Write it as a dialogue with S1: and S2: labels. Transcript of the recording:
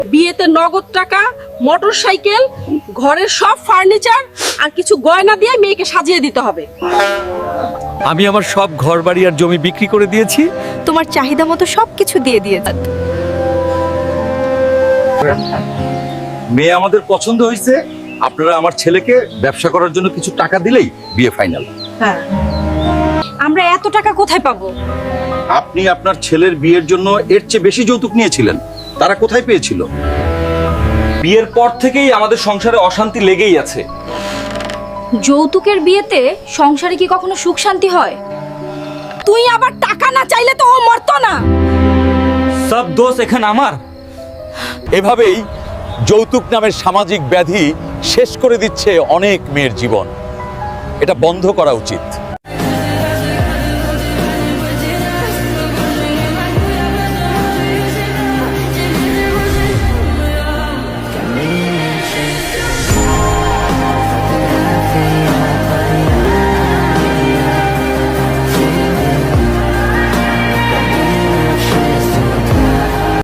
S1: বিয়েতে নগদ টাকা, মোটর সাইকেল, ঘরের সব ফার্নিচার আর কিছু গয়না দিয়ে মেয়েকে সাজিয়ে দিতে হবে।
S2: আমি আমার সব ঘরবাড়ি আর জমি বিক্রি করে দিয়েছি।
S3: তোমার চাহিদা মতো সবকিছু দিয়ে দিয়েছে।
S2: মেয়ে আমাদের পছন্দ হয়েছে। আপনারা আমার ছেলেকে ব্যবসা করার জন্য কিছু টাকা দিলেই বিয়ে ফাইনাল।
S1: হ্যাঁ,
S3: আমরা এত টাকা কোথায় পাবো?
S2: আপনি আপনার ছেলের বিয়ের জন্য এর চেয়ে বেশি যৌতুক নিয়েছিলেন, তারা কোথায় পেয়েছিল? বিয়ের পর থেকেই আমাদের সংসারে অশান্তি লেগেই আছে।
S3: যৌতুকের বিয়েতে সংসারে কি কখনো সুখ শান্তি হয়?
S1: তুই আবার টাকা না চাইলে তো ও মরতো না।
S2: সব দোষ এখানে আমার। এভাবেই যৌতুক নামের সামাজিক ব্যাধি শেষ করে দিচ্ছে অনেক মেয়ের জীবন। এটা বন্ধ করা উচিত।